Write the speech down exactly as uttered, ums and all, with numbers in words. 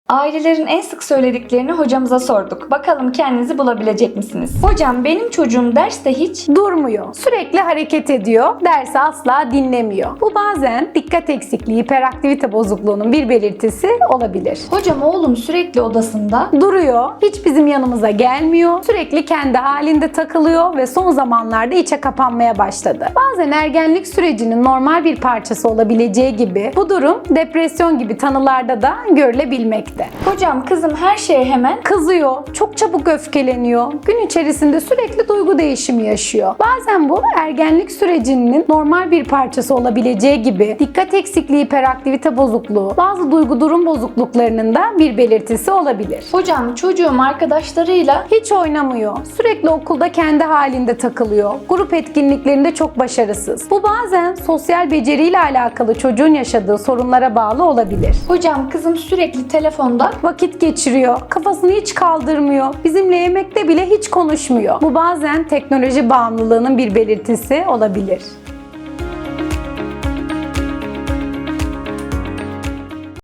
Ailelerin en sık söylediklerini hocamıza sorduk. Bakalım kendinizi bulabilecek misiniz? Hocam benim çocuğum derste hiç Durmuyor. Sürekli hareket ediyor. Dersi asla dinlemiyor. Bu bazen dikkat eksikliği, hiperaktivite bozukluğunun bir belirtisi olabilir. Hocam oğlum sürekli odasında. Duruyor. Hiç bizim yanımıza gelmiyor. Sürekli kendi halinde takılıyor ve son zamanlarda içe kapanmaya başladı. Bazen ergenlik sürecinin normal bir parçası olabileceği gibi bu durum depresyon gibi tanılarda da görülebilmekte. Hocam kızım her şeye hemen Kızıyor, çok çabuk öfkeleniyor, gün içerisinde sürekli duygu değişimi yaşıyor. Bazen bu ergenlik sürecinin normal bir parçası olabileceği gibi dikkat eksikliği, hiperaktivite bozukluğu, bazı duygu durum bozukluklarının da bir belirtisi olabilir. hocam çocuğum arkadaşlarıyla Hiç oynamıyor, sürekli okulda kendi halinde takılıyor, grup etkinliklerinde çok başarısız. Bu bazen sosyal beceriyle alakalı çocuğun yaşadığı sorunlara bağlı olabilir. hocam kızım sürekli telefonda. Vakit geçiriyor, kafasını hiç kaldırmıyor, bizimle yemekte bile hiç konuşmuyor. Bu bazen teknoloji bağımlılığının bir belirtisi olabilir.